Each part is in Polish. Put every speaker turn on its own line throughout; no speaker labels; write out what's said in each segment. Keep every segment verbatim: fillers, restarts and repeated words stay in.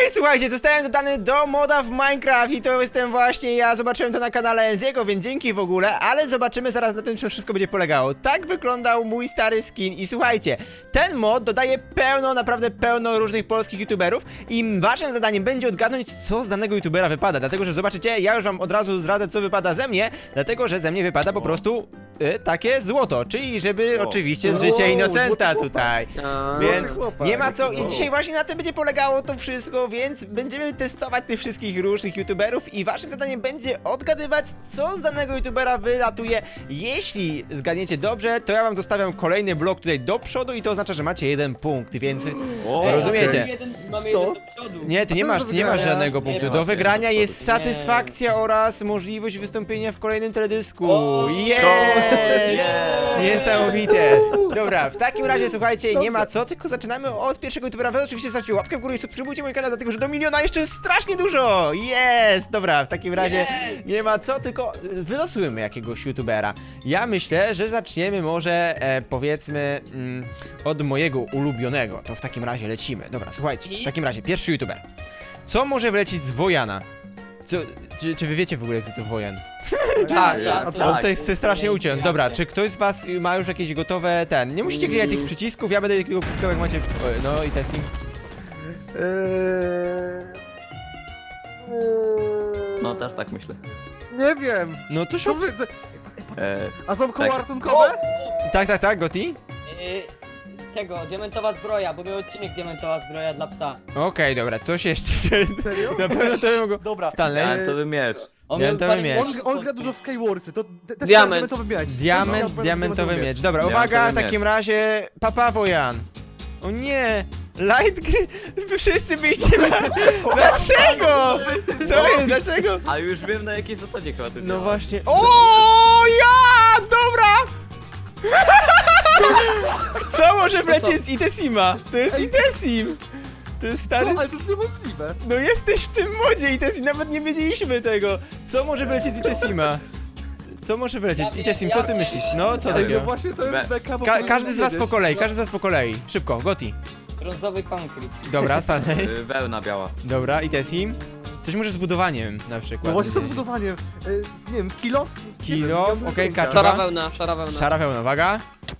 Okej, słuchajcie, zostałem dodany do moda w Minecraft i to jestem właśnie ja, zobaczyłem to na kanale Enziego, więc dzięki w ogóle, ale zobaczymy zaraz na tym, co wszystko będzie polegało. Tak wyglądał mój stary skin i słuchajcie, ten mod dodaje pełno, naprawdę pełno różnych polskich youtuberów i waszym zadaniem będzie odgadnąć, co z danego youtubera wypada, dlatego, że zobaczycie, ja już wam od razu zdradzę, co wypada ze mnie, dlatego, że ze mnie wypada po prostu y, takie złoto, czyli żeby
O.
oczywiście z życia
O,
Inocenta
złoty
tutaj.
A,
Więc
chłopak.
nie ma co i
Wow.
dzisiaj właśnie na tym będzie polegało to wszystko, więc będziemy testować tych wszystkich różnych youtuberów i waszym zadaniem będzie odgadywać, co z danego youtubera wylatuje. Jeśli zgadniecie dobrze, to ja wam dostawiam kolejny blok tutaj do przodu i to oznacza, że macie jeden punkt, więc
O,
rozumiecie?
Jeden, mamy
Sto?
jeden do przodu.
Nie, ty nie
A co
masz,
do
ty nie masz
wygrania?
żadnego
Nie
punktu.
ma
Do
się
wygrania
do
jest
przodu. Nie.
satysfakcja oraz możliwość wystąpienia w kolejnym teledysku.
O,
Jest!
jest!
Niesamowite. Dobra, w takim razie słuchajcie, nie ma co, tylko zaczynamy od pierwszego youtubera. Wy oczywiście zostawcie łapkę w górę i subskrybujcie mój kanał, dlatego że do miliona jeszcze jest strasznie dużo. Jest! Dobra, w takim razie
Jest!
nie ma co, tylko wylosujemy jakiegoś youtubera. Ja myślę, że zaczniemy może e, powiedzmy mm, od mojego ulubionego. To w takim razie lecimy. Dobra, słuchajcie, w takim razie pierwszy youtuber. Co może wlecieć z Wojana? Co, czy, czy wy wiecie w ogóle, kto to Wojan?
Tak, tak.
A
to-
On tutaj chce strasznie uciąć. Dobra, czy ktoś z was ma już jakieś gotowe ten? Nie musicie klikać tych przycisków, ja będę tylko klikał jak macie. O, no i testing.
No też tak myślę.
Nie wiem.
No to
Co
szuk.
wy...
E,
A są koła
Tak.
ratunkowe?
Tak, tak, tak, Goti?
Yy, tego, diamentowa zbroja, bo był odcinek diamentowa zbroja dla psa.
Okej, dobra, coś jeszcze.
Serio?
Na pewno to mogło.
Dobra.
Stanley?
diamentowy miecz.
On
Diamentowy
miał parę
miecz.
On, on gra dużo w Skywarsy, to te- też
Diament.
diamentowy miecz.
Diament,
Też
diamentowy miecz. Dobra,
Diamentowy
uwaga, w
miecz.
takim razie. Papa Wojan. O nie! Light gry. Wy wszyscy byliście. Dlaczego? Co jest? Dlaczego?
A już wiem na jakiej zasadzie chyba to
No
działa.
właśnie. O ja! Dobra! Co może wlecieć z Itesima? To jest
Ej.
Itesim! To jest stary.
Co? Ale to jest niemożliwe.
No jesteś w tym modzie Itesim, nawet nie wiedzieliśmy tego. Co może wlecieć z Itesima? C- Co może wlecieć?
Ja wiem,
Itesim,
ja
co ty
wiem.
myślisz? No, co
Ej, no
takiego?
właśnie to
Be-
jest beka, bo
Ka
powinienem
każdy z was po
wiedzieć.
kolei, każdy z was po kolei. Szybko, Goti.
Brązowy konkret.
Dobra, Stanley.
Y, Wełna biała.
Dobra, Itesim. Coś może z budowaniem na
No
przykład.
właśnie co z budowaniem? Y, nie wiem, kilof?
Kilof,
Nie wiem,
okej,
nie
kaczuba.
Szara wełna, szara wełna.
Szara wełna, uwaga.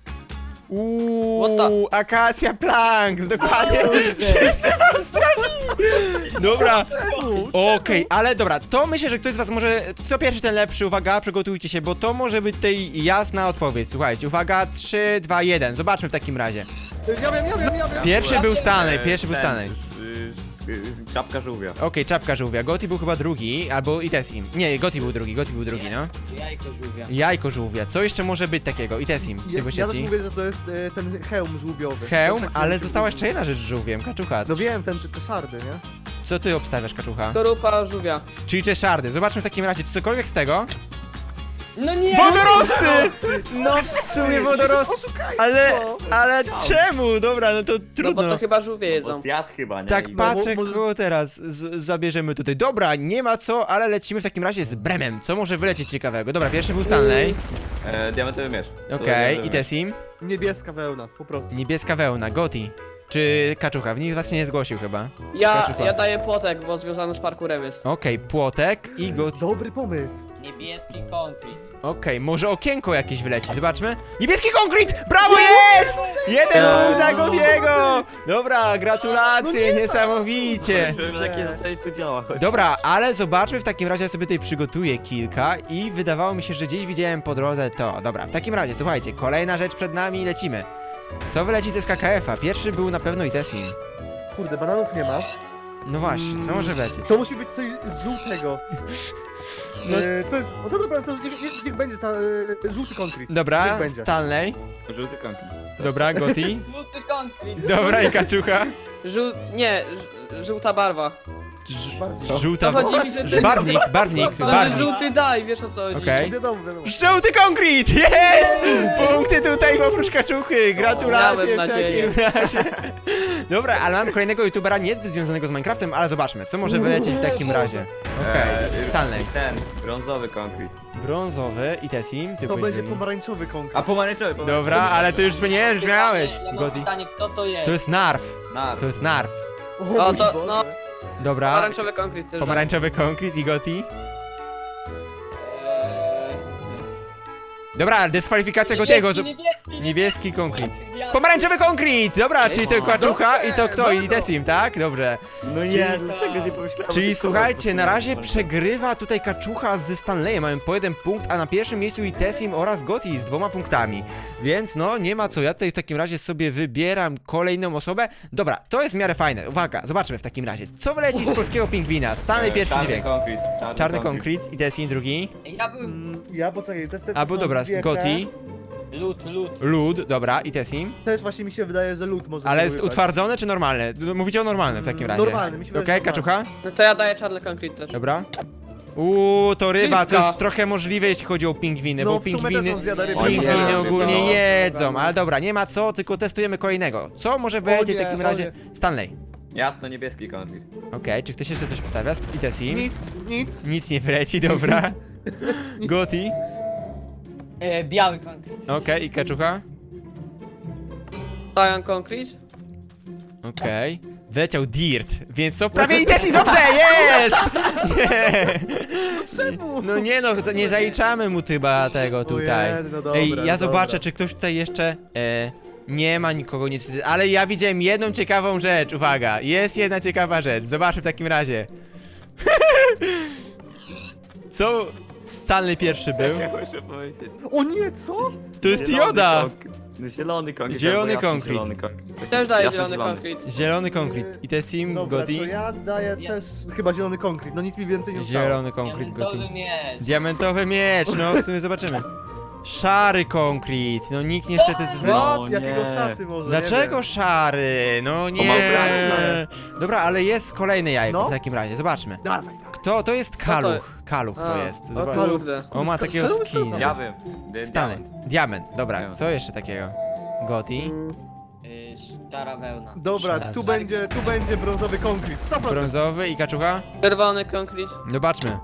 Uuu,
What
akacja planks, dokładnie. Wszyscy was trafili. Dobra, okej, ale dobra, to myślę, że ktoś z was może, kto pierwszy ten lepszy, uwaga, przygotujcie się, bo to może być tej jasna odpowiedź. Słuchajcie, uwaga, trzy, dwa, jeden, zobaczmy w takim razie.
Ja wiem, ja wiem, ja wiem.
Pierwszy był Stanley,
E,
pierwszy był
ten,
Stanley.
y, y, Czapka żółwia.
Okej, czapka żółwia, Goti był chyba drugi, albo Itesim. Nie, Goti był drugi, Goti był drugi, no.
Jajko żółwia.
Jajko żółwia, co jeszcze może być takiego? Itesim, ty
Ja, ja też
byście
mówię, że to jest e, ten hełm żółwiowy. To
Hełm,
jest taki-
ale została jeszcze jedna rzecz z żółwiem, kaczucha.
No wiem, ten, te, te szardy, nie?
Co ty obstawiasz, kaczucha?
Skorupa żółwia.
Czyli czeszardy. Zobaczmy w takim razie, czy cokolwiek z tego.
No nie!
Wodorosty! No w sumie wodorosty.
Oszukajstwo!
Ale, ale czemu? Dobra, no to
No bo
trudno.
to chyba żółwie
Bo
jedzą.
zjadł chyba, nie?
Tak
I-
patrzę,
może-
kogo teraz z zabierzemy tutaj. Dobra, nie ma co, ale lecimy w takim razie z Bremem. Co może wylecieć ciekawego? Dobra, pierwszy był Stanley.
E, diamentowy miecz. To
Okej,
diamentowy
i Tesim.
Niebieska wełna, po prostu.
Niebieska wełna, Goti. Czy kaczucha? Nikt z was się nie zgłosił chyba.
Ja,
Kaczucha.
ja daję płotek, bo związany z parkurem jest.
Okej, płotek i Goti.
Dobry pomysł.
Niebieski konkret.
Okej, może okienko jakieś wyleci, zobaczmy. Niebieski konkret! Brawo, jest! Jeden
Eee.
punkt dla Gotiego! Dobra, gratulacje, niesamowicie.
Wiem, na jakiej zasadzie to działa. Chodź.
Dobra, ale zobaczmy w takim razie, ja sobie tutaj przygotuję kilka i wydawało mi się, że gdzieś widziałem po drodze to. Dobra, w takim razie, słuchajcie, kolejna rzecz przed nami, lecimy. Co wyleci ze S K K F-a? Pierwszy był na pewno Itesim.
Kurde, bananów nie ma.
No właśnie, co może wlecieć?
To musi być coś z żółtego.
No
E, to jest, no to dobra, to niech, niech, niech będzie ta e, żółty konkret.
Dobra,
Niech będzie.
Stanley.
Żółty konkret.
Dobra, Goti.
Żółty konkret.
Dobra, i kaczucha.
Żół... nie, ż- żółta barwa.
Ż-
Bardzo.
Żółta...
To chodzi mi, że ty...
Barwnik, barwnik,
To, że
barwnik.
żółty daj, wiesz o co chodzi.
Okej.
Wiadomo, wiadomo.
Żółty konkret! Jest! Punkty tutaj oprócz kaczuchy! Gratulacje
Miałem
w
nadzieję.
takim razie. Dobra, ale mam kolejnego youtubera niezbyt związanego z Minecraftem, ale zobaczmy, co może wylecieć w takim razie. Okej,
Eee,
Stanley.
Ten, brązowy konkret.
Brązowy i Tessim, ty
To
byłeś
będzie
drugi.
pomarańczowy konkret.
A pomarańczowy, pomarańczowy.
Dobra, ale to już nie, już miałeś.
Ja mam
Godi.
pytanie, kto to jest?
To jest Narf,
Nar.
to jest Narf.
O,
O,
mój
to-
Boże.
no.
Dobra.
Pomarańczowy konkret też.
Pomarańczowy konkret i Goti.
Eee,
Dobra, dyskwalifikacja Gotiego.
niebieski, niebieski,
Niebieski konkret.
niebieski.
Pomarańczowy konkret! Dobra, czyli to Kaczucha i to kto? I Tesim, tak? Dobrze.
No nie, dlaczego nie pomyślałem? o
Czyli
tych
słuchajcie,
kolorach?
na razie przegrywa tutaj Kaczucha ze Stanleyem, mamy po jeden punkt, a na pierwszym miejscu i Tesim oraz Goti z dwoma punktami. Więc no, nie ma co, ja tutaj w takim razie sobie wybieram kolejną osobę. Dobra, to jest w miarę fajne. Uwaga, zobaczmy w takim razie. Co wyleci z polskiego pingwina? Stanley
E,
pierwszy
czarny
dźwięk.
Konkret, czarny,
Czarny
konkret.
konkret i Tesim drugi.
Ja bym...
Mm, Ja poczekaj, też te
A, bo dobra, Goti,
Lód, lód.
Lud, dobra, i Tesim.
Też właśnie mi się wydaje, że lód może
Ale
się
jest
wybrać.
utwardzone czy normalne? Mówicie o normalnym w takim razie.
Normalny, mi się wydaje,
Okej,
że
Kaczucha?
No to ja daję czarny konkret też.
Dobra. Uuu, to ryba, co
Rybka.
jest trochę możliwe, jeśli chodzi o pingwiny,
No,
bo
w sumie
pingwiny,
też on zjada rybę.
pingwiny
O nie,
ogólnie
no.
jedzą, ale dobra, nie ma co, tylko testujemy kolejnego. Co może wejdzie w
nie,
takim
o
razie? Stanley.
Jasno niebieski konkret.
Okej, czy ktoś jeszcze coś postawia? I Tesim?
Nic, nic.
Nic nie wleci, dobra. Goti.
Eee, biały konkret.
Okej, i Kaczucha?
Daję konkret.
Okej. Wleciał Dirt, więc to prawie i Tesim, dobrze, jest! Nie.
Czemu?
No nie no, nie zaliczamy mu chyba tego tutaj.
Ojej, no dobra,
Ej, ja
dobra.
zobaczę, czy ktoś tutaj jeszcze... E, nie ma nikogo niestety, ale ja widziałem jedną ciekawą rzecz, uwaga, jest jedna ciekawa rzecz, zobaczmy w takim razie. Co Stanley pierwszy był?
Ja muszę powiedzieć.
O nie, co?
To jest
Zielony
Joda!
konkret. No zielony konkret.
Zielony
albo jasny
konkret.
Zielony konkret.
Też daję
Jasny
zielony
zielony.
konkret.
Zielony konkret. I to jest Team
Dobra,
Goti?
to ja daję
Ja-
też chyba zielony konkret, no nic mi więcej nie zostało.
Zielony konkret
Diamentowy
Goti.
miecz.
Diamentowy miecz, no w sumie zobaczymy. Szary konkret, no nikt niestety z...
No,
No, jakiego
nie.
szaty może,
Dlaczego
nie
szary? No nie.
Pomarańczowy.
Dobra, ale jest kolejne jajko
No.
w takim razie, zobaczmy.
wiem. Dawaj,
Kto? To jest Kaluch. Kaluch to
A,
jest.
O
Zobacz.
kurde.
O, ma takiego
Kaluch to
skina.
Ja wiem. Dy-
Stanley.
diament.
Diament. Dobra,
Diament.
co jeszcze takiego? Goti.
Mm,
Eee, szara wełna.
Dobra,
Szara-
tu
szary-
będzie, tu będzie brązowy konkret, sto procent.
Brązowy i kaczucha?
Czerwony konkret.
Zobaczmy.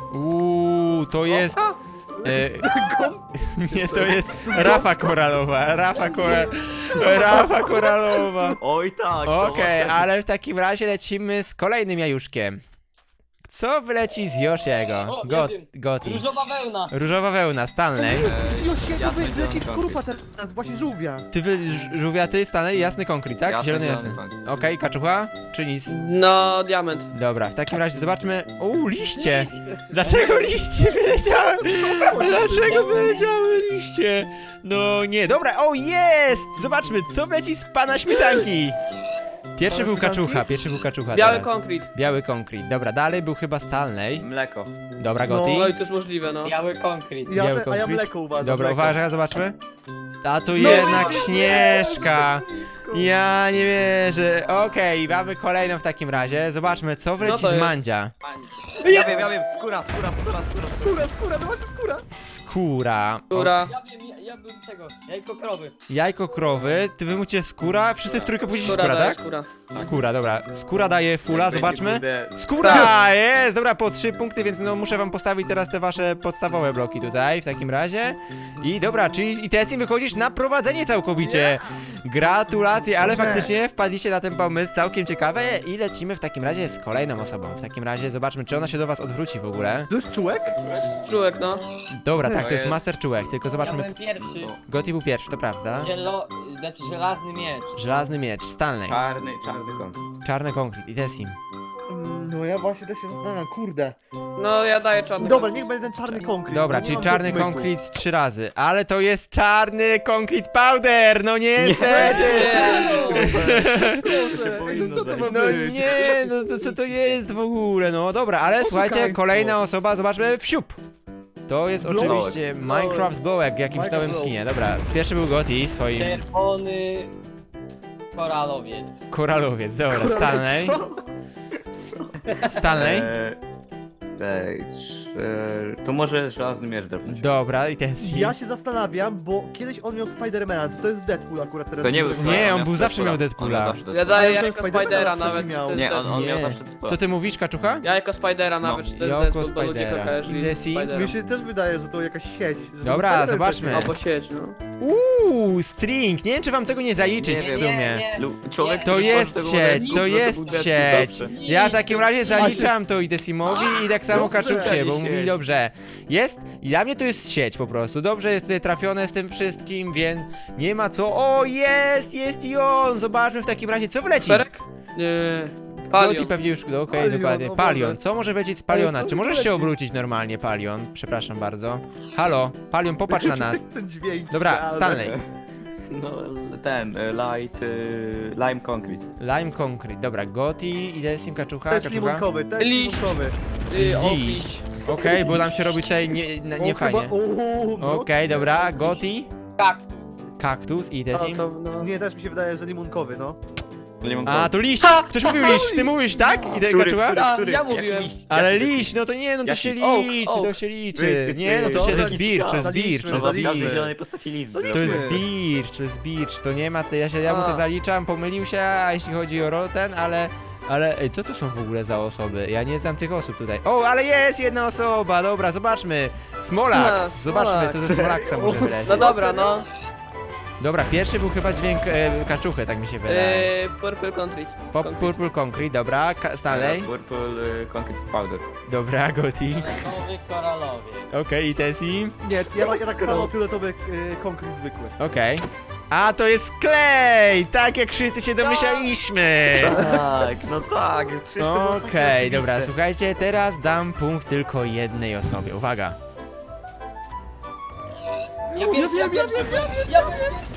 Uuu, to jest...
O,
E, nie, to jest Rafa Koralowa. Rafa Koralowa. Rafa Koralowa.
Oj tak.
Okej,
to
ale w takim razie lecimy z kolejnym jajuszkiem. Co wyleci z Yoshiego?
O,
Go,
ja wiem.
Goti.
Różowa wełna.
Różowa wełna, Stanley.
Już się
jasny
tu leci
zielony
skorupa teraz, właśnie żółwia.
Ty wy, ż- żółwiaty, Stanley, jasny konkret, tak?
Jasny,
Zielony,
zielony
jasny.
konkret.
Okej, kaczucha? Czy nic?
no, diament.
Dobra, w takim razie zobaczmy. Uuu, liście! Dlaczego liście wyleciały? Dlaczego wyleciały liście? No nie, dobra, o jest! Zobaczmy, co wleci z pana śmietanki. Pierwszy
Pana
był
śmietanki?
kaczucha, pierwszy był kaczucha
Biały
teraz.
konkret.
Biały konkret. Dobra, dalej był chyba Stanley.
Mleko.
Dobra,
No,
Goti.
No i to jest możliwe, no.
Biały konkret.
Ja,
Biały
te, a ja
konkret.
mleko uważam.
Dobra,
mleko.
uważaj, zobaczmy. A tu
No,
jednak
nie,
Śnieżka.
blisko.
Ja nie wierzę. Okej, mamy kolejną w takim razie. Zobaczmy, co
No
wleci
to
z
jest.
Mandzia.
Ja wiem, ja wiem. Skóra, skóra, skóra, skóra.
Skóra, skóra, no właśnie skóra.
Skóra.
Która?
Ja wiem, ja, ja bym tego, jajko krowy.
Jajko krowy, ty wy mówicie skóra, wszyscy w trójkę powiedzieli
Skóra
skóra,
daje
tak?
skóra.
Skóra, dobra. Skóra daje fula,
Jak będzie,
zobaczmy.
kurde,
Skóra! Jest! Dobra, po trzy punkty, więc no muszę wam postawić teraz te wasze podstawowe bloki tutaj, w takim razie. I dobra, czyli i Tessie wychodzisz na prowadzenie całkowicie. Gratulacje, ale
Dobrze.
faktycznie wpadliście na ten pomysł całkiem ciekawe i lecimy w takim razie z kolejną osobą. W takim razie zobaczmy, czy ona się do was odwróci w ogóle.
To jest czułek?
Czułek, no.
Dobra, tak,
To
to jest
jest-
Master Czułek, tylko
Ja
zobaczmy.
byłem pierwszy.
Goti był pierwszy, to prawda.
Zielo... Znaczy żelazny miecz.
Żelazny miecz, Stanley.
Czarny, czarny konkret.
Czarny konkret i Tessim.
Mm, No ja właśnie też się zastanawiam, kurde.
No, ja daję czarny
Dobra,
konkret.
niech będzie ten czarny konkret.
Dobra,
no nie
czyli
mam
czarny
pomysłu.
konkret trzy razy, ale to jest czarny konkret powder, no niestety!
Nie.
Proszę, ej, no co to ma
No
być?
nie, no to co to jest w ogóle, no dobra, ale słuchajcie,
Oszukaństwo.
kolejna osoba, zobaczmy, wsiup! To jest
Blołek.
oczywiście Minecraft Blołek w jakimś
Minecraft
nowym
Blołek.
skinie, dobra, pierwszy był Goti, swoim
Czerwony... Koralowiec.
koralowiec, dobra,
Kurde,
Stanley,
co?
Stanley,
Eee, Stage. To może żelazny miecz drobny.
Dobra, i ten Sim.
Ja się zastanawiam, bo kiedyś on miał Spidermana, to to jest Deadpool akurat teraz.
To nie był
Nie,
Spider-Man,
on
miał
był zawsze miał Deadpoola.
On miał zawsze
Ja
Deadpoola.
daję
Ale
jako
co, Spidermana
Spidera
wcześniej
nawet,
miał.
czy to jest
Nie, on,
Deadpool.
on miał
Nie.
zawsze Deadpoola.
Co ty mówisz, Kaczucha?
Ja jako Spidera
No.
nawet, czy to jest
Jako
Deadpool, bo ludzie
Spidera.
kojarzyli
Idę
z
si?
Spiderem.
Mi się też wydaje, że to jakaś sieć. że
Dobra,
Spider-Man
zobaczmy.
wcześniej
Albo sieć, no.
Uuu, string. Nie wiem, czy wam tego nie zaliczyć
Nie
w
wiem.
sumie.
Lu- Człowiek,
To
który
jest
tworzył tego
sieć,
modelu,
to
był
jest
Deadpool
sieć.
zawsze.
Ja w takim razie zaliczam to i Decimowi i tak samo
Dobrze.
Kaczucie, bo mówi
Sieć.
dobrze. Jest, i dla mnie to jest sieć po prostu. Dobrze jest tutaj trafione z tym wszystkim, więc nie ma co. O, jest, jest i on. Zobaczmy w takim razie, co wleci.
Perek? Nie.
Goti
Palion.
pewnie już, no, okej,
Palion,
dokładnie.
o Boże.
Palion, co może wlecieć z Paliona?
co
Czy
mi
możesz
wleci?
się obrócić normalnie, Palion? Przepraszam bardzo. Halo, Palion, popatrz na nas.
Ten dźwięk.
Dobra,
idealny.
Stanley.
No, ten, e, light, e, lime concrete.
Lime Concrete, dobra, Goti, idę z nim Kaczucha,
Też
Kaczucha.
limonkowy, też
Liść.
limonkowy.
Y, o,
Liść. Okej, bo nam się robi tutaj nie, nie, nie
O,
fajnie.
chyba- o, no.
Okej, dobra, Goti,
Kaktus.
kaktus i idę z
no,
nim.
to, no.
Nie, też mi się wydaje, że limonkowy, no.
A, to liść! Ktoś mówił liść, ty mówisz, tak? Idę
Który,
Kaczucha?
który,
A,
który?
ja
Jaki
mówiłem.
liść?
Ale
Jaki
liść, no to nie, no to
Jaki?
się
Oak,
liczy,
oak.
to się liczy.
Ty, ty,
Nie, no to
ty.
się to jest
Dobra,
bircz, to jest
zaliczmy,
bircz, to
No,
jest
zaliczmy.
w każdej
bircz.
zielonej postaci list.
To jest
To jest
Zaliczmy.
bircz, to jest bircz, to nie ma, ja, się, ja mu to
A.
zaliczam, pomylił się, a jeśli chodzi o ro- ten, ale... Ale, ej, co to są w ogóle za osoby? Ja nie znam tych osób tutaj. O, ale jest jedna osoba, dobra, zobaczmy. Smolax,
A,
zobaczmy,
Smolax.
co ze Smolaxa może wylecieć.
No dobra, no.
Dobra, pierwszy był chyba dźwięk e, kaczuchy, tak mi się wydaje.
Y, Purple Concrete.
Pop,
Concrete.
Purple Concrete, dobra, Ka- Stanley,
Purple e, concrete powder.
dobra, Goti.
Fioletowy, koralowy.
Okej, i Tessie,
Nie, ja, ja tak samo fioletowy y, konkret zwykły.
okej. A, to jest klej! Tak jak wszyscy się domyślaliśmy!
Tak, no tak. przecież to było takie
Okej, dobra,
oczywiste.
słuchajcie, teraz dam punkt tylko jednej osobie, uwaga.
Ja pierwszy, ja pierwszy, ja pierwszy.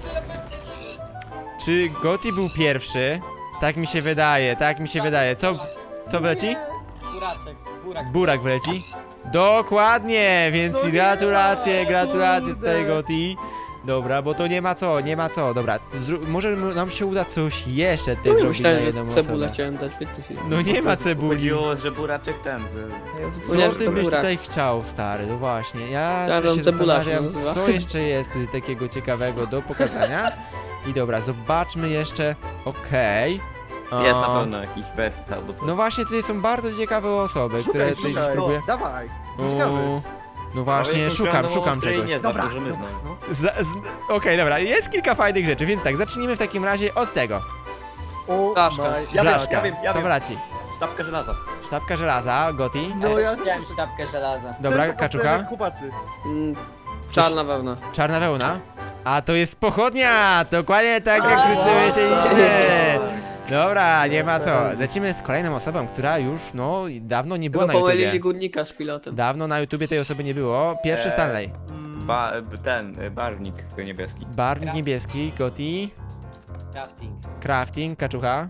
Czy Goti był pierwszy? Tak mi się wydaje, tak mi się wydaje. Co, co wleci?
Buraczek, burak.
Burak wleci? Dokładnie, więc
No nie,
gratulacje, gratulacje
kurde.
tutaj Goti. Dobra, bo to nie ma co, nie ma co. Dobra, zró- może m- nam się uda coś jeszcze tutaj
No,
zrobić na
myślałem,
jedną
że cebulę
osobę.
chciałem dać, wiecie się.
No nie ma cebuli.
Chodziło, że buraczek ten. Że...
Ja
Co
zapomniałem, że
ty
to
byś
burak.
tutaj chciał, stary? No właśnie, ja
Myślałem,
też
że
się
on cebularz
zastanawiam,
nazywa.
co jeszcze jest tutaj takiego ciekawego do pokazania. I dobra, zobaczmy jeszcze, okej.
Jest na
O,
pewno jakiś wert albo coś.
No właśnie, tutaj są bardzo ciekawe osoby, które
Szukaj,
tutaj gdzieś
szukaj.
próbuję.
Dawaj, jestem ciekawy.
O, no właśnie, szukam, szukam czegoś.
Nie,
Dobra,
dobra, że my
dobra,
znamy.
no.
Za- z- Okej, dobra, jest kilka fajnych rzeczy, więc tak, zacznijmy w takim razie od tego.
O,
Blaszka.
my-
Ja wiem,
Blaszka,
ja wiem, ja
co
wiem.
wleci?
Sztabka żelaza.
Sztabka żelaza, Goti.
No ja
Chciałem sztabkę żelaza.
Dobra,
też
kaczucha.
obstawiam jak chłopacy.
Mm, Czarna wełna.
Czarna wełna. A to jest pochodnia! Dokładnie tak jak
A,
wszyscy
wow.
myśleliśmy. Dobra, nie ma co. Lecimy z kolejną osobą, która już, no, dawno nie była
Tylko
na YouTubie.
pomylili górnika z pilotem.
Dawno na YouTubie tej osoby nie było. Pierwszy
Eee.
Stanley.
Mm,
Ba, ten, e, barwnik niebieski.
Barwnik niebieski, Goti.
Crafting.
Crafting, kaczucha.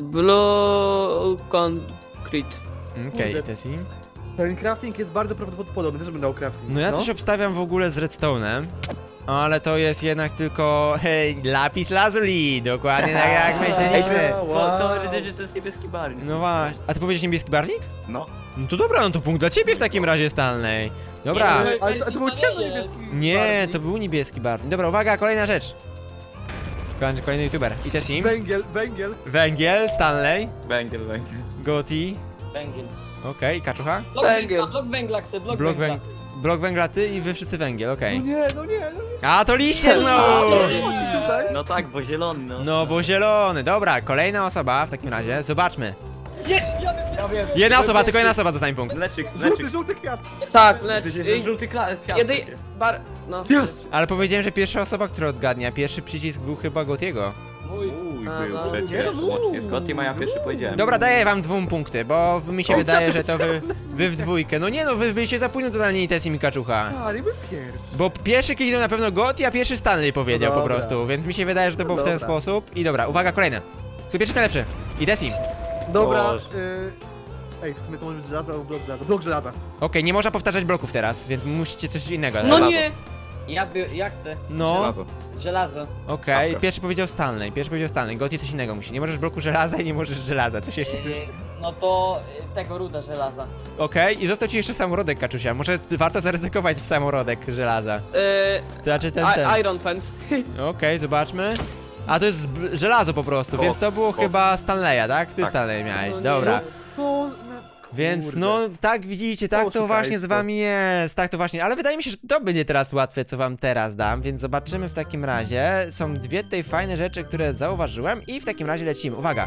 Blue Concrete.
Okej,
Kurde.
Tessie.
Ten crafting jest bardzo prawdopodobny, też bym dał crafting.
No ja coś obstawiam w ogóle z redstone'em. Ale to jest jednak tylko, hej, lapis lazuli. Dokładnie tak jak myśleliśmy.
Wow.
To, to, że, że to jest niebieski barwnik.
No właśnie. A ty powiedziałeś niebieski barwnik?
No.
No to dobra, no to punkt dla ciebie w takim razie, Stanley. Dobra.
Nie,
Ale to, to był ciemno-niebieski
Nie,
barwnik.
to był niebieski barwnik. Dobra, uwaga, kolejna rzecz. Kolejny, kolejny youtuber. I Tessim.
Węgiel, węgiel.
Węgiel, Stanley,
Węgiel, węgiel.
Goti.
Węgiel.
Okej, kaczucha.
Blok
Węgiel.
węgla, blok węgla chcę, blok,
Blok,
węgla.
węg blok węgla ty i wy wszyscy węgiel,
No
okej.
nie, no nie, no nie.
A to liście znowu!
Tutaj.
No tak, bo zielony, no.
No bo zielony. Dobra, kolejna osoba w takim razie. Zobaczmy.
Nie, ja wiem, ja wiem.
Jedna osoba, tylko jedna osoba dostanie punkt.
Mleczyk,
Żółty,
mleczyk.
żółty kwiat.
Tak, lecz.
To jest żółty kla- kwiat
Jedy...
przecież.
Bar... No.
Ale powiedziałem, że pierwsza osoba, która odgadnie, a pierwszy przycisk był chyba Gotiego.
Mój.
Uj,
A,
był
no.
przecież.
Nie, no,
Łącznie z Gotim, a ja pierwszy powiedziałem.
Dobra, daję wam dwóm punkty, bo mi się
O,
wydaje,
co
że
ty-
to wy, wy w dwójkę. No nie no, wy byliście za późno totalnie i Tessim i kaczucha.
A, nie był pierwszy.
Bo pierwszy kliknął na pewno Goti, a pierwszy Stanley powiedział
No
po
dobra.
prostu, więc mi się wydaje, że to było w ten
Dobra.
sposób. I dobra, uwaga, kolejne. Kto pierwszy, ten lepszy. I Tessim.
Dobra,
Boże.
y... Ej, w sumie to może być żelaza albo blok żelaza. Blok żelaza.
Okej, nie można powtarzać bloków teraz, więc musicie coś innego.
No
dać.
nie!
Ja, by, ja chcę.
No,
Żelazo.
Żelazo.
okej,
Dobra.
pierwszy powiedział Stanley, pierwszy powiedział Stanley. Gotti coś innego musi. Nie możesz bloku żelaza i nie możesz żelaza. Coś jeszcze chcesz?
Yy, no to yy, tego ruda żelaza.
Okej, i został ci jeszcze samorodek, Kaczusia. Może warto zaryzykować w samorodek żelaza.
Yy,
Znaczy ten, ten.
I- Iron Fence.
Okej, zobaczmy. A to jest zb- żelazo po prostu,
Koks,
więc to było
koks.
chyba Stanleya, tak? Ty
Tak.
Stanley miałeś,
No nie.
dobra.
Co?
Więc
Kurde.
no, tak widzicie, tak to
Oszukaństwo.
właśnie z wami jest, tak to właśnie, ale wydaje mi się, że to będzie teraz łatwe, co wam teraz dam, więc zobaczymy w takim razie. Są dwie tutaj fajne rzeczy, które zauważyłem i w takim razie lecimy. Uwaga!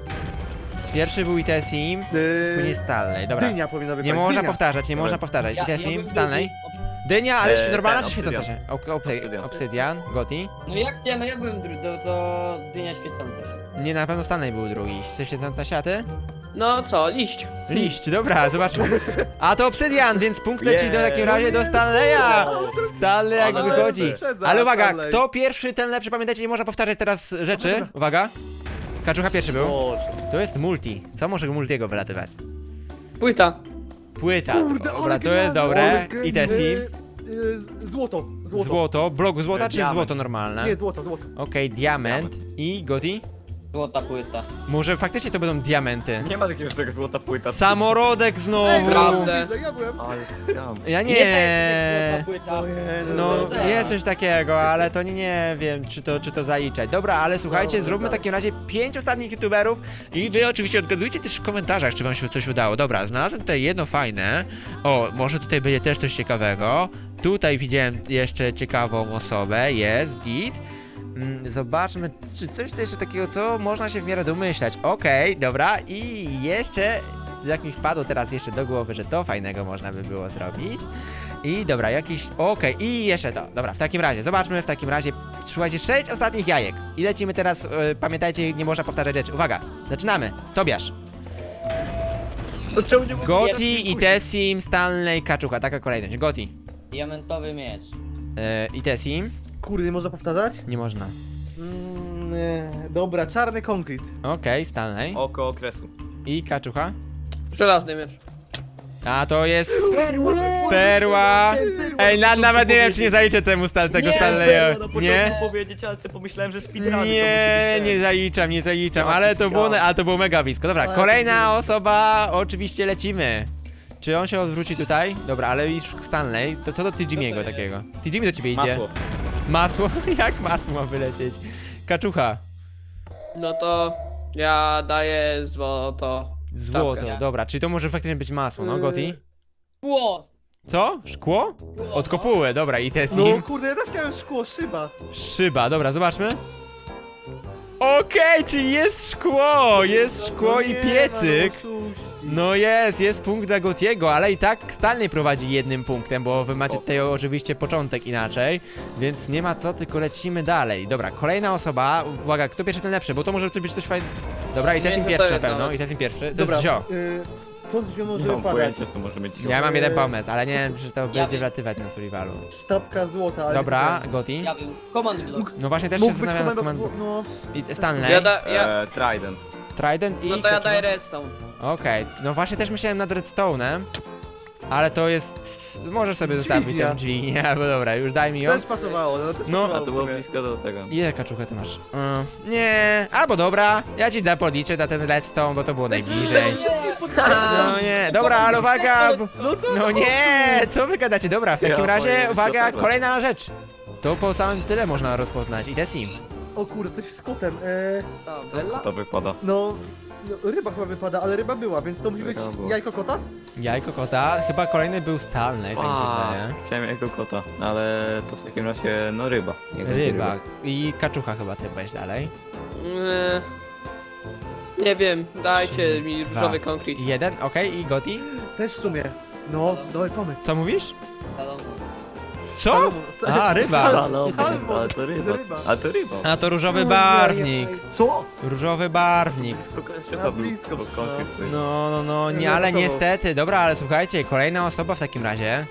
Pierwszy był Itesim, później
Yy,
Stanley, dobra.
Dynia powinna wypaść.
Nie można
dynia.
powtarzać, nie
Dobra.
można powtarzać.
Ja, ja
Itesim,
bym
Stanley.
drugi.
Dynia, ale jeszcze
Eee,
normalna
ten,
czy świecąca się?
obsydian.
Ok, ok,
Obsydian.
obsydian, Gotti.
No jak chciałem, ja byłem drugi, to, to dynia świecąca się.
Nie, na pewno Stanley był drugi. Chce świecąca się, a ty?
No co, liść.
Liść, dobra, zobaczmy. A to obsydian, więc punkt leci do
Yeah.
takim razie do Stanleya. Stanley jak
Ale
wychodzi.
wyprzedza
Ale uwaga,
Stanley.
kto pierwszy, ten lepszy. Pamiętajcie, nie można powtarzać teraz rzeczy. Uwaga. Kaczucha pierwszy był.
Boże.
To jest multi. Co może multiego wylatywać?
Płyta.
Płyta.
Kurde,
Dobra,
ale
to jest
genialne,
dobre.
ale
I
genialne.
Tesim.
Yy, yy, Złoto, złoto.
Złoto. Blok złota czy
Diament.
złoto normalne?
Nie, złoto, złoto.
Okej, diament. I Goti?
Złota płyta.
Może faktycznie to będą diamenty.
Nie ma takiego czegoś złota płyta.
Samorodek znowu.
Prawda.
Bliżej, ja byłem.
Ale skam.
Ja
Jest
nie.
złota płyta.
No,
Dobra.
jest coś takiego, ale to nie, nie wiem, czy to, czy to zaliczać. Dobra, ale słuchajcie,
Dobra,
zróbmy w
dobra.
takim razie pięć ostatnich youtuberów i wy oczywiście odgadujcie też w komentarzach, czy wam się coś udało. Dobra, znalazłem tutaj jedno fajne. O, może tutaj będzie też coś ciekawego. Tutaj widziałem jeszcze ciekawą osobę, jest, git. Mm, Zobaczmy, czy coś to jeszcze takiego, co można się w miarę domyślać. Okej, dobra, i jeszcze, jak mi wpadło teraz jeszcze do głowy, że to fajnego można by było zrobić. I dobra, jakiś, okej, i jeszcze to. Dobra, w takim razie, zobaczmy w takim razie, słuchajcie, sześć ostatnich jajek. I lecimy teraz, e, pamiętajcie, nie można powtarzać rzeczy. Uwaga, zaczynamy. Tobiasz.
To czemu nie mogę?
Goti, Itesim, Stanley, Kaczucha, taka kolejność. Goti,
Diamentowy miecz.
e, Itesim,
Kurde, nie można powtarzać?
nie można.
Mm, nie. Dobra, czarny konkret.
Okej, Stanley
Oko okresu.
i Kaczucha.
Żelazny miecz.
A to jest perła. Ej, na, nawet nie wiem, czy nie zaliczę temu stan, tego
Nie,
Stanleya.
Nie?
Nie?
powiedzieć, ale sobie pomyślałem, że speedruny
Nie,
to musi być
nie zaliczam, nie zaliczam,
Jaki
ale to było,
skam.
ale to było mega blisko. Dobra,
Ale
kolejna
to
osoba, oczywiście lecimy. Czy on się odwróci tutaj? Dobra, ale już Stanley, to co do Tijimiego takiego? Tijimi do ciebie idzie.
Masło.
Masło? Jak masło ma wylecieć? Kaczucha.
No to ja daję złoto.
Złoto,
Sztabkę.
dobra, czyli to może faktycznie być masło, no Goti?
Szkło!
Co? Szkło? Od kopuły, dobra, i
No
Tesim.
kurde, ja też miałem szkło, szyba.
Szyba, dobra, zobaczmy. Okej, czyli jest szkło, jest szkło
No
i
nie,
piecyk.
no, no,
No jest, jest punkt dla Gotiego, ale i tak Stanley prowadzi jednym punktem, bo wy macie tutaj oczywiście początek inaczej, więc nie ma co, tylko lecimy dalej. Dobra, kolejna osoba, uwaga, kto pierwszy, ten lepszy, bo to może być coś fajnego. Dobra, i
Nie
Tesim
wiem, co
pierwszy
to
na
jest
pewno,
nawet.
i Tesim pierwszy, to
Dobra,
jest zio.
y, co z zią może
Nie mam
wypadać?
pojęcia, co może mieć.
Ja mam jeden
Eee,
pomysł, ale nie wiem, czy to będzie
wiem.
wlatywać na survivalu.
Sztabka złota, ale...
Dobra, Goti.
Ja bym. Command block.
No właśnie też się
Mógł być
zastanawiam nad
komendo...
komandą.
No,
I Stanley,
Ja, da, ja,
E, Trident.
Trident i...
no to ja
kto-
daję redstone.
Okej, no właśnie też myślałem nad redstone'em, ale to jest... Możesz sobie zostawić
Dźwignia.
tę dźwignię, albo dobra, już daj mi ją.
też pasowało, no też
No.
A
pasowało.
to
w
było
sumie.
blisko do tego.
Ile kaczuchę ty masz? Y, nie, albo dobra, ja ci zapodliczę na ten redstone, bo to było najbliżej. No nie, dobra, ale uwaga! bo-
No co
No
to
nie, co wy gadacie? Dobra, w takim
Ja
razie,
powiem,
uwaga,
co to?
kolejna rzecz. To po samym tyle można rozpoznać. I Tesim.
O kurde, coś z kotem. E,
Bella?
To wypada.
no, no, ryba chyba wypada, ale ryba była, więc to musi być
Ryba była.
jajko kota?
Jajko kota, chyba kolejny był Stanley, tak mi się
A,
wydaje.
chciałem jego kota, ale to w takim razie, no ryba. Niech będzie
Ryba. I kaczucha chyba ty weź dalej.
Yy, nie wiem, dajcie mi
Dwa.
różowy konkret.
Jeden, okej, i Goti?
Też w sumie. No, dobry pomysł.
Co mówisz?
Salomon.
Co? A, ryba.
Salomon,
Salmon.
ale to ryba.
Ryba.
A to ryba.
A to różowy
Ojej,
barwnik.
Co?
Różowy barwnik.
Ryba
Na
był
blisko
po skądś
no.
jest.
No, no, no, nie,
Nie
ale
pasował.
niestety. Dobra, ale słuchajcie, kolejna osoba w takim razie.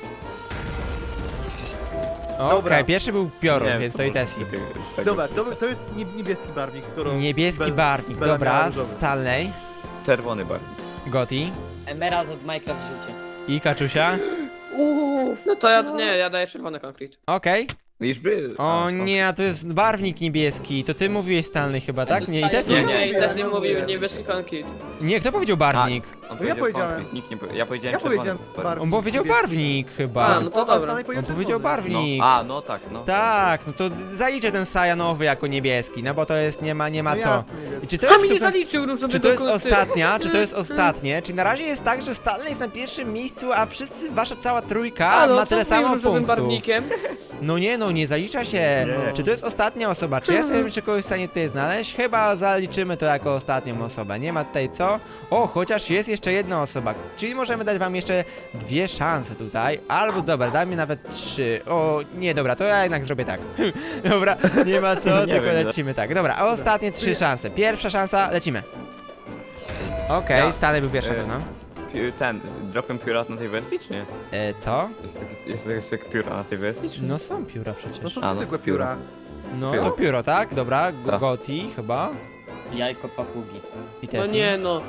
Okej,
Dobra.
pierwszy był piorun,
Nie,
więc
co
to i
może
Tesim.
takiego- tego-
Dobra, to, to jest nie- niebieski barwnik, skoro...
Niebieski
Bel-
barwnik,
Bella miała
dobra,
różowy.
Stanley,
Czerwony barwnik.
Goti
Emerald od Minecraft życie.
i Kaczusia.
Uff.
No to ja, nie, ja daję czerwony konkret.
Okej.
Już był.
O
A,
nie, a to jest barwnik niebieski. To ty mówiłeś Stanley chyba, tak? Nie, i też
Nie,
nie.
nie, i też nie
nie
mówił
mówię.
niebieski konkret.
Nie, kto powiedział barwnik?
On
No ja powiedziałem.
konkret, Nikt nie powie- Ja powiedziałem
Ja
czerwony.
powiedziałem barwnik.
On powiedział barwnik chyba.
A, no to dobra.
Stanley
On powiedział
czerwony.
barwnik.
No, a, no tak, no.
Tak, no to zaliczę ten sajanowy jako niebieski, no bo to jest, nie ma, nie ma
No
co.
jasne,
I
jasne.
czy to
To
jest
mi nie
super...
zaliczył różowy
Czy to jest
dokumenty.
ostatnia, czy to jest ostatnie? Czyli na razie jest tak, że Stanley jest na pierwszym miejscu, a wszyscy, wasza cała trójka
A, no,
ma
co
tyle
z moim
samo
różowym
punktów.
barwnikiem?
No nie, no nie zalicza się.
Nie.
Czy to jest ostatnia osoba? Czy ja jestem czy kogoś w stanie tutaj znaleźć? Chyba zaliczymy to jako ostatnią osobę. Nie ma tutaj co? O, chociaż jest jeszcze jedna osoba. Czyli możemy dać wam jeszcze dwie szanse tutaj. Albo dobra, dajmy nawet trzy. O, nie, dobra, to ja jednak zrobię tak. Dobra, nie ma co,
Nie
tylko
wiem,
lecimy tak. Dobra, a ostatnie trzy szanse. Pierwsza szansa, lecimy. Okej,
Ja.
Stanley był pierwszy,
E,
no.
Pi- Ten, dropem pióra na tej wersji, czy nie?
E, co?
Jest, taki- jest, jest jak pióra na tej wersji, czy nie?
No są pióra
No
przecież.
są
A, no
zwykłe
to
pióra.
No
pióro.
to pióro, tak? Dobra, Go-
Tak.
Goti chyba.
Jajko papugi.
I
No
Tessie.
nie no.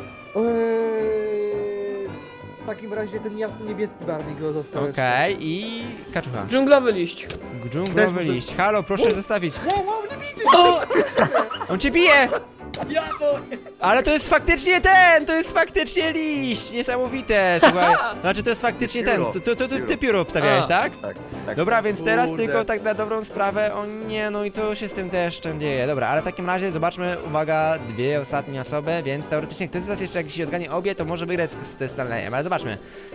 Eee, w takim razie ten jasny niebieski barwnik go został.
Okej, i kaczucha.
Dżunglowy liść.
Dżunglowy
Też muszę-
liść. Halo, proszę zostawić.
Wow, wow, nie widzę!
On cię bije!
Ja to...
Ale to jest faktycznie ten! To jest faktycznie liść! Niesamowite, słuchaj. Znaczy to jest faktycznie ten. To, to, to, to ty pióro obstawiałeś,
A.
tak?
Tak, tak.
Dobra, więc teraz
Kurde.
tylko tak na dobrą sprawę. O nie, no i co się z tym deszczem dzieje? Dobra, ale w takim razie zobaczmy, uwaga, dwie ostatnie osoby, więc teoretycznie ktoś z was jeszcze jakiś odganie obie, to może wygrać z- ze Stanleyem, ale zobaczmy.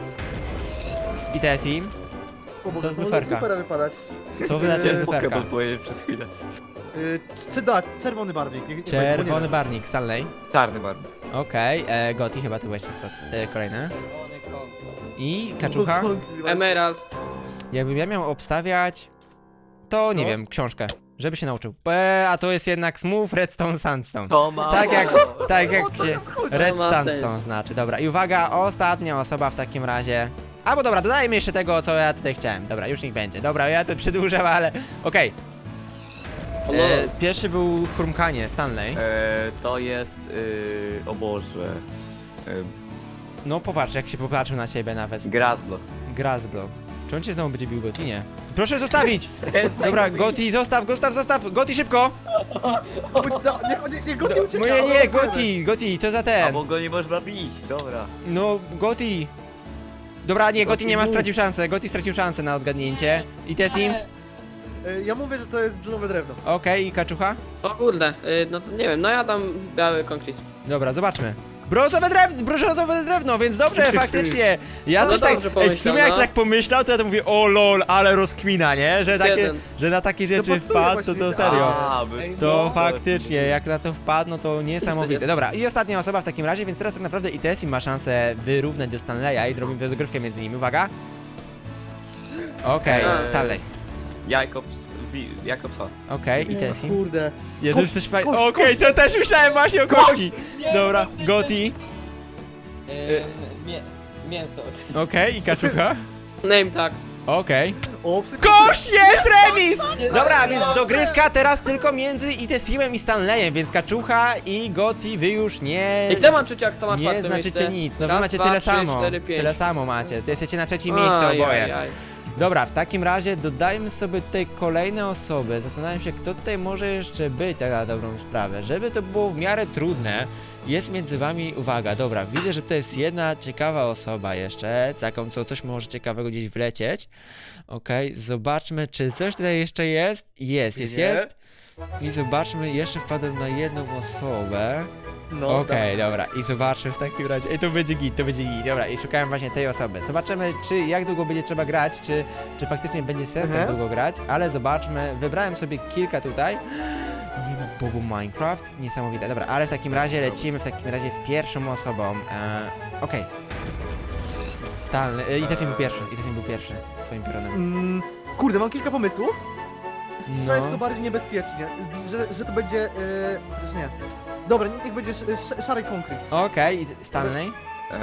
Z I T S I.
O Boże,
Co z
może
luferka?
lufera wypadać.
Co wy na to
Eee,
jest luferka?
Pokeball powiedzieć przez chwilę.
Yy, czy da, czerwony barwnik. Nie, nie pamiętam, bo nie
Czerwony
wiem.
barwnik, Stanley.
Czarny barwnik.
Okej, e, Goti chyba ty byłeś ostat- e, kolejny. I kaczucha.
Emerald.
Jakbym ja miał obstawiać, to nie
No.
wiem, książkę, żeby się nauczył. E, a to jest jednak Smooth Redstone Sandstone.
To ma...
Tak jak, tak jak
O, to
się
chodzi.
Red
To ma
Sandstone
sens.
znaczy. Dobra, i uwaga, ostatnia osoba w takim razie. Albo dobra, dodajmy jeszcze tego, co ja tutaj chciałem. Dobra, już niech będzie. Dobra, ja to przedłużam, ale okej.
O,
E,
lol.
Pierwszy był Chrumkanie, Stanley.
E, to jest... Y, o Boże... Y,
No popatrz, jak się popatrzył na ciebie nawet.
Gradlo.
Grasblock. Czy on cię znowu będzie bił, Goti? Nie. Proszę zostawić! Dobra, Goti, zostaw, zostaw, zostaw! Goti, szybko!
Chodź, da- Niech niech- niech go nie ucieka.
Moje
dobra,
nie,
dobra.
Goti, Goti, co za
A
ten?
bo go nie można bić, dobra.
No, Goti. Dobra, nie, Goti
Goti
nie ma,
mów.
stracił szansę. Goti stracił szansę na odgadnięcie. I Tessim?
Yy, Ja mówię, że to jest brzunowe drewno.
Okej, i Kaczucha?
O kurde, y, no to nie wiem, no ja dam biały konkret.
Dobra, zobaczmy. Brązowe drewno, brązowe drewno, więc dobrze, faktycznie. Ja
No
też tak,
dobrze
ej, w sumie
pomyślał,
jak
no.
tak pomyślał, to ja to mówię, o lol, ale rozkmina, nie? Że, takie,
Jeden.
że na takie rzeczy
pasuje
wpadł, to to
właśnie.
serio.
A, bez-
To
no,
faktycznie, jak na to wpadł, no to niesamowite. Dobra, i ostatnia osoba w takim razie, więc teraz tak naprawdę I T S I ma szansę wyrównać do Stanleya i robimy dogrywkę między nimi. Uwaga. Okej,
Eee.
Stanley.
Jakobs... wi- Jakobsa.
Okej, I T
Nie,
S I.
Kurde.
Jest
Kość,
coś fajnego.
kość,
Okej, to też myślałem właśnie o kości. Dobra, Goti.
Ym, mię mięso.
Okej, i Kaczucha.
Name tak.
Okej.
O, psy...
Kość jest remis! Dobra, więc dogrywka teraz tylko między I T S I-em i Stanleyem, więc Kaczucha i Goti wy już nie...
I kto ma trzecie, jak kto ma
Nie
czwarte
znaczycie
miejsce?
nic, no wy
Raz,
macie
dwa,
tyle
trzy,
samo.
cztery, pięć.
Tyle samo macie, ty jesteście na trzecim miejscu
Aj,
oboje.
aj, aj.
Dobra, w takim razie dodajmy sobie tutaj kolejne osoby. Zastanawiam się, kto tutaj może jeszcze być, tak na dobrą sprawę. Żeby to było w miarę trudne, jest między wami, uwaga, dobra, widzę, że to jest jedna ciekawa osoba jeszcze, taką, co coś może ciekawego gdzieś wlecieć. Okej, zobaczmy, czy coś tutaj jeszcze jest. Jest, jest,
Nie.
jest. I zobaczmy, jeszcze wpadłem na jedną osobę.
No,
Okej, dobra, i zobaczmy w takim razie. Ej, to będzie git, to będzie git. Dobra, i szukałem właśnie tej osoby. Zobaczymy, czy jak długo będzie trzeba grać, czy, czy faktycznie będzie sens tak
Mhm.
długo grać, ale zobaczmy. Wybrałem sobie kilka tutaj. Nie ma Bogu Minecraft. Niesamowite. Dobra, ale w takim razie lecimy w takim razie z pierwszą osobą. Eee, Okej. Stanley. E, I Tessim był pierwszy. I Tessim był pierwszy swoim piorunem.
Mm, kurde, mam kilka pomysłów. Strzelę
No.
w to bardziej niebezpiecznie, że, że to będzie... Yy, chociaż nie. Dobra, niech, niech będzie sz, sz, szary konkret.
Okej, i Stanley.
Ehm...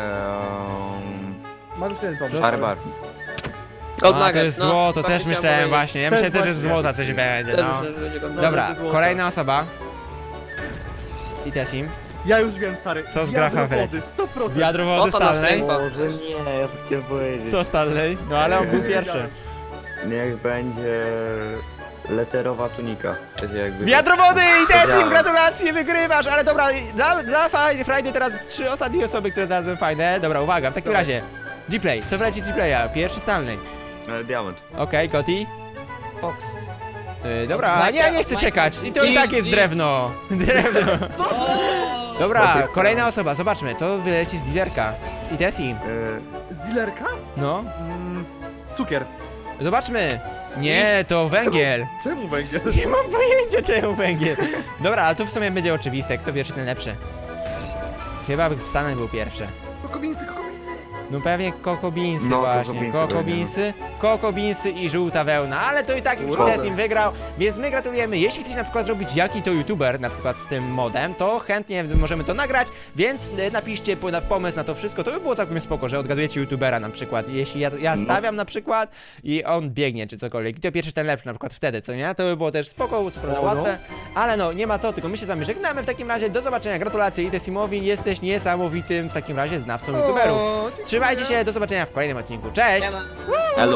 Mam już jeden pomysł.
Co?
Szary barwnik.
Gold
A, to
Nugget,
jest
no,
złoto,
właśnie
też
chciałem
myślałem
powiedzieć.
właśnie. Ja
Też
myślałem też, że z
właśnie.
złota coś będzie,
Też
no.
myślę, że będzie Gold
Dobra,
Dobra,
ze złota.
kolejna osoba. I Tessim.
Ja już wiem, stary.
Co z
Wiadro
Grafem
wody, sto procent.
Wiadro wody
Oto nasz
Stanley?
info.
Może nie, ja to chciałem powiedzieć.
Co Stanley? No ale on był pierwszy.
Niech będzie leterowa tunika. Czyli jakby...
Wiadro wody i Tesim,
Wiedziałem.
gratulacje, wygrywasz, ale dobra, dla, dla Friday, Friday teraz trzy ostatnie osoby, które znalazłem fajne. Dobra, uwaga, w takim razie, G-Play, co wleci z G-Playa? Pierwszy Stanley.
E, diament.
Okej, Koti?
Fox.
Yy, dobra, nie, nie chcę czekać, i to i tak jest drewno. Drewno.
O!
Dobra, kolejna osoba, zobaczmy, co wyleci z dealerka. I Tesim,
E,
Z dealerka?
no,
Mm, cukier.
zobaczmy. Nie, to węgiel.
Czemu węgiel?
Nie mam pojęcia czemu węgiel. Dobra, ale tu w sumie będzie oczywiste, kto pierwszy, ten lepszy. Chyba Stanley był pierwszy.
Kokobinsy, kokobinsy.
No pewnie kokobinsy
No,
właśnie,
kokobinsy
kokobinsy, kokobinsy i żółta wełna, ale to i tak już
Ładne.
Tesim wygrał, więc my gratulujemy. Jeśli chcecie na przykład zrobić jaki to youtuber, na przykład z tym modem, to chętnie możemy to nagrać, więc y, napiszcie po- na- pomysł na to wszystko, to by było całkiem spoko, że odgadujecie youtubera na przykład. Jeśli ja, ja
No.
stawiam na przykład i on biegnie czy cokolwiek, i to pierwszy ten lepszy na przykład wtedy, co nie? To by było też spoko, co prawda
O, no.
łatwe, ale no, nie ma co, tylko my się z wami żegnamy w takim razie, do zobaczenia, gratulacje i Tesimowi, jesteś niesamowitym w takim razie znawcą youtuberów.
O, dziękuję.
Trzymajcie się, do zobaczenia w kolejnym odcinku. Cześć!
Siema.
Elo.